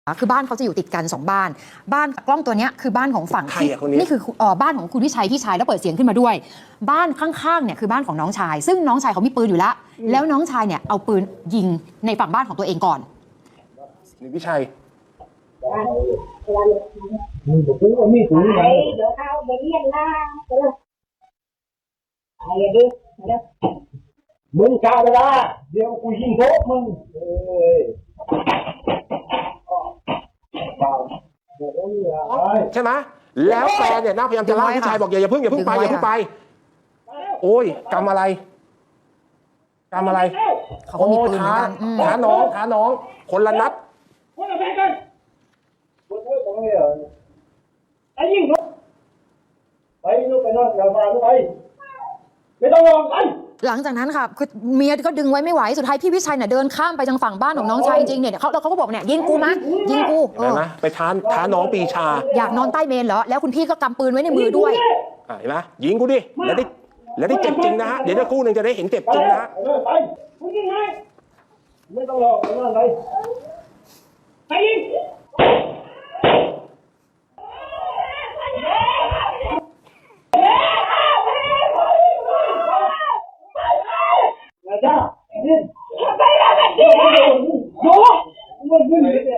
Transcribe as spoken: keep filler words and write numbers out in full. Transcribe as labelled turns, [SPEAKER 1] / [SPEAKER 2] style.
[SPEAKER 1] คือบ้านเขาจะอยู่ติดกันสองบ้านบ้านกล้องตัวนี้คือบ้านของฝั่งที่นี่คือเอ่อบ้านของคุณวิชัยพี่ชายแล้วเปิดเสียงขึ้นมาด้วยบ้านข้างๆเนี่ยคือบ้านของน้องชายซึ่งน้องชายเขามีปืนอยู่แล้วแล้วน้องชายเนี่ยเอาปืนยิงในฝั่งบ้านของตัวเองก่อน
[SPEAKER 2] นี่วิชัย
[SPEAKER 3] มึงบอกว่ามีปืนไหนเดี๋ยวเอาไปเรียนนะเดี๋ยวไอ้ดิเดี๋ยวมึงชาวบ้านเดี๋ยวกูยิงโต๊ะมึงเอ้ย
[SPEAKER 2] ใช่ไหมแล้วแฟนเนี่ยน่าพยายามจะล่าพี่ชายบอกอย่าอย่าเพิ่งอย่าเพิ่งไปอย่าเพิ่งไปโอ้ยกรรมอะไรกรรมอะไร
[SPEAKER 1] เขาก็มีปืนเหมือนกัน
[SPEAKER 2] ท้าน้องท้าน้องคนละนัด
[SPEAKER 3] ไอ้ยิงลูกไปลูกไปนอนอย่ามาลูกไปไม่ต้องรอไป
[SPEAKER 1] หลังจากนั้นค่ะคือเมียก็ดึงไว้ไม่ไหวสุดท้ายพี่วิชัยเนี่ยเดินข้ามไปทางฝั่งบ้านของน้องชายจริงๆเนี่ยเขาเขาก็บอกเนี่ยยิงกูมั้ยยิงกู
[SPEAKER 2] เห็นไหมไปท้าท้าน้องปีชา
[SPEAKER 1] อยากนอนใต้เมนเหรอแล้วคุณพี่ก็กำปืนไว้ในมือด้วย
[SPEAKER 2] เห็นไหมยิงกูดิแล้วได้แล้วได้เจ็บจริงนะฮะเดี๋ยวคู่หนึ่งจะได้เห็นเจ็บจริงนะฮะ
[SPEAKER 3] ไปมึงยิงไงไม่ต้องรอไม่ต้องไปไปยิงจ้าไปแล้วไปแล้วโย่มันขึ้นเลย